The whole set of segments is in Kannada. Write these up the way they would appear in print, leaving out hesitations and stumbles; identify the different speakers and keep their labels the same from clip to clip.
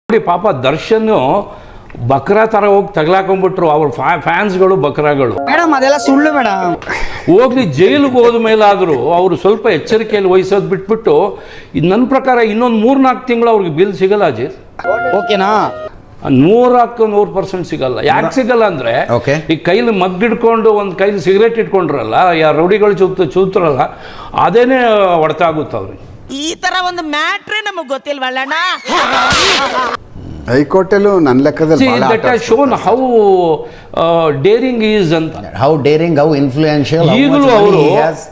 Speaker 1: ನೋಡಿ ಪಾಪ ದರ್ಶನ್ ಬಕ್ರಾ ತರ ಹೋಗಿ ತಗ್ಲಾಕೊಂಡ್ಬಿಟ್ರು ಅವ್ರ ಫ್ಯಾನ್ಸ್ಗಳು ಬಕ್ರಾಗಳು.
Speaker 2: ಮೇಡಮ್ ಅದೆಲ್ಲ ಸುಳ್ಳು ಮೇಡಮ್.
Speaker 1: ಹೋಗ್ಲಿ ಜೈಲಿಗೆ ಹೋದ ಮೇಲಾದರೂ ಅವರು ಸ್ವಲ್ಪ ಎಚ್ಚರಿಕೆಯಲ್ಲಿ ವಹಿಸೋದು ಬಿಟ್ಬಿಟ್ಟು ನನ್ನ ಪ್ರಕಾರ ಇನ್ನೊಂದು 3-4 ತಿಂಗಳು ಅವ್ರಿಗೆ ಬಿಲ್ ಸಿಗಲ್ಲ ಅಜಿತ್.
Speaker 2: ಓಕೆನಾ?
Speaker 1: 100% ಸಿಗಲ್ಲ. ಯಾಕೆ ಸಿಗಲ್ಲ ಅಂದ್ರೆ ಈ ಕೈಲಿ ಮಗ್ಗಿಡ್ಕೊಂಡು ಒಂದು ಕೈಲಿ ಸಿಗರೇಟ್ ಇಟ್ಕೊಂಡ್ರಲ್ಲ, ಯಾರು ರೌಡಿಗಳು ಚೂತ್ರಲ್ಲ, ಅದೇನೆ ಹೊಡೆತ ಆಗುತ್ತೆ ಅವ್ರಿಗೆ.
Speaker 3: ಈ ತರ ಒಂದು ಮ್ಯಾಟ್ರೇ ನಮಗೆ ಗೊತ್ತಿಲ್ವಲ್ಲಣ್ಣ.
Speaker 4: ಹೈಕೋರ್ಟಲ್ಲೂ ನನ್ನ ಲೆಕ್ಕದಲ್ಲಿ
Speaker 1: ಶೋನ್ ಹೌ ಡೇರಿಂಗ್ ಈಸ್ ಅಂತ,
Speaker 5: ಹೌ ಡೇರಿಂಗ್, ಹೌ ಇನ್ಫ್ಲೂಯೆನ್ಷಿಯಲ್.
Speaker 1: ಈಗಲೂ ಅವರು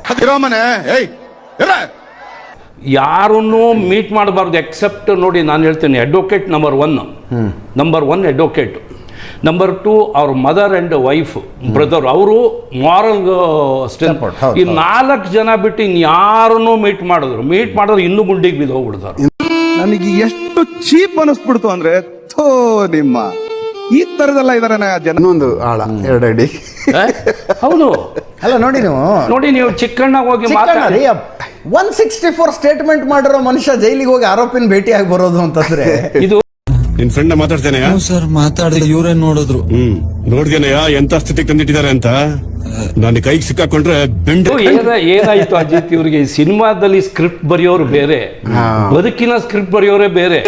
Speaker 1: ಯಾರನ್ನೂ ಮೀಟ್ ಮಾಡಬಾರ್ದು ಎಕ್ಸೆಪ್ಟ್ ನೋಡಿ ನಾನು ಹೇಳ್ತೇನೆ ಅಡ್ವೊಕೇಟ್ ನಂಬರ್ 1 ಅಡ್ವೊಕೇಟ್, ನಂಬರ್ 2 ಅವ್ರ ಮದರ್ ಆ್ಯಂಡ್ ವೈಫ್ ಬ್ರದರ್, ಅವರು ಮಾರಲ್ ಸ್ಟ್ರೆಂತ್. ಈ 4 ಜನ ಬಿಟ್ಟು ಇನ್ಯಾರನ್ನೂ ಮೀಟ್ ಮಾಡಿದ್ರು ಇನ್ನೂ ಗುಂಡಿಗೆ ಬಿದ್ದು ಹೋಗ್ಬಿಡ್ತಾರೆ.
Speaker 6: ನನಗೆ ಎಷ್ಟು ಚೀಪ್ ಅನಿಸ್ಬಿಡ್ತು ಅಂದ್ರೆ ನಿಮ್ಮ ಈ ತರದೆಲ್ಲ ಇದಾರೆ ಜನ.
Speaker 4: ಒಂದು ಆಳ 2 ಅಡಿ.
Speaker 1: ಹೌದು
Speaker 5: ಅಲ್ಲ ನೋಡಿ ನೀವು
Speaker 1: ಚಿಕ್ಕಣ್ಣ ಹೋಗಿ
Speaker 5: 164 ಸ್ಟೇಟ್ಮೆಂಟ್ ಮಾಡಿರೋ ಮನುಷ್ಯ ಜೈಲಿಗೆ ಹೋಗಿ ಆರೋಪಿನ ಭೇಟಿಯಾಗಿ ಬರೋದು ಅಂತಂದ್ರೆ
Speaker 1: ಇದು
Speaker 7: ನಿನ್ ಫ್ರೆಂಡ್ ಮಾತಾಡ್ತೇನೆಯಾ?
Speaker 8: ಸರ್ ಮಾತಾಡಿದ ಇವ್ರೇ ನೋಡಿದ್ರು.
Speaker 7: ನೋಡ್ದೇನೆಯಾ ಎಂತ ಸ್ಥಿತಿಗೆ ತಂದಿಟ್ಟಿದ್ದಾರೆ ಅಂತ. ನಾನು ಕೈಗೆ ಸಿಕ್ಕಾಕೊಂಡ್ರೆ
Speaker 1: ಏನಾಯ್ತು ಅಜಿತ್, ಇವ್ರಿಗೆ ಸಿನಿಮಾದಲ್ಲಿ ಸ್ಕ್ರಿಪ್ಟ್ ಬರೆಯೋರು ಬೇರೆ, ಬದುಕಿನ ಸ್ಕ್ರಿಪ್ಟ್ ಬರೆಯೋರೇ ಬೇರೆ.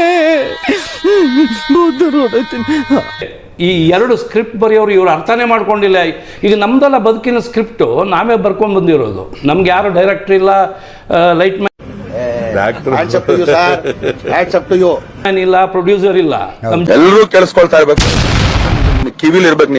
Speaker 1: ಈ 2 ಸ್ಕ್ರಿಪ್ಟ್ ಬರೆಯೋರು ಇವ್ರು ಅರ್ಥನೇ ಮಾಡ್ಕೊಂಡಿಲ್ಲ. ಈಗ ನಮ್ದೆಲ್ಲ ಬದುಕಿನ ಸ್ಕ್ರಿಪ್ಟು ನಾವೇ ಬರ್ಕೊಂಡ್ ಬಂದಿರೋದು. ನಮ್ಗೆ ಯಾರು ಡೈರೆಕ್ಟರ್ ಇಲ್ಲ, ಲೈಟ್ ಮ್ಯಾನ್ ಇಲ್ಲ, ಪ್ರೊಡ್ಯೂಸರ್ ಇಲ್ಲ.
Speaker 9: ಎಲ್ಲರೂ ಕೇಳಿಸ್ಕೊಳ್ತಾ ಇರ್ಬೇಕು, ಕಿವಿಲಿ ಇರ್ಬೇಕು.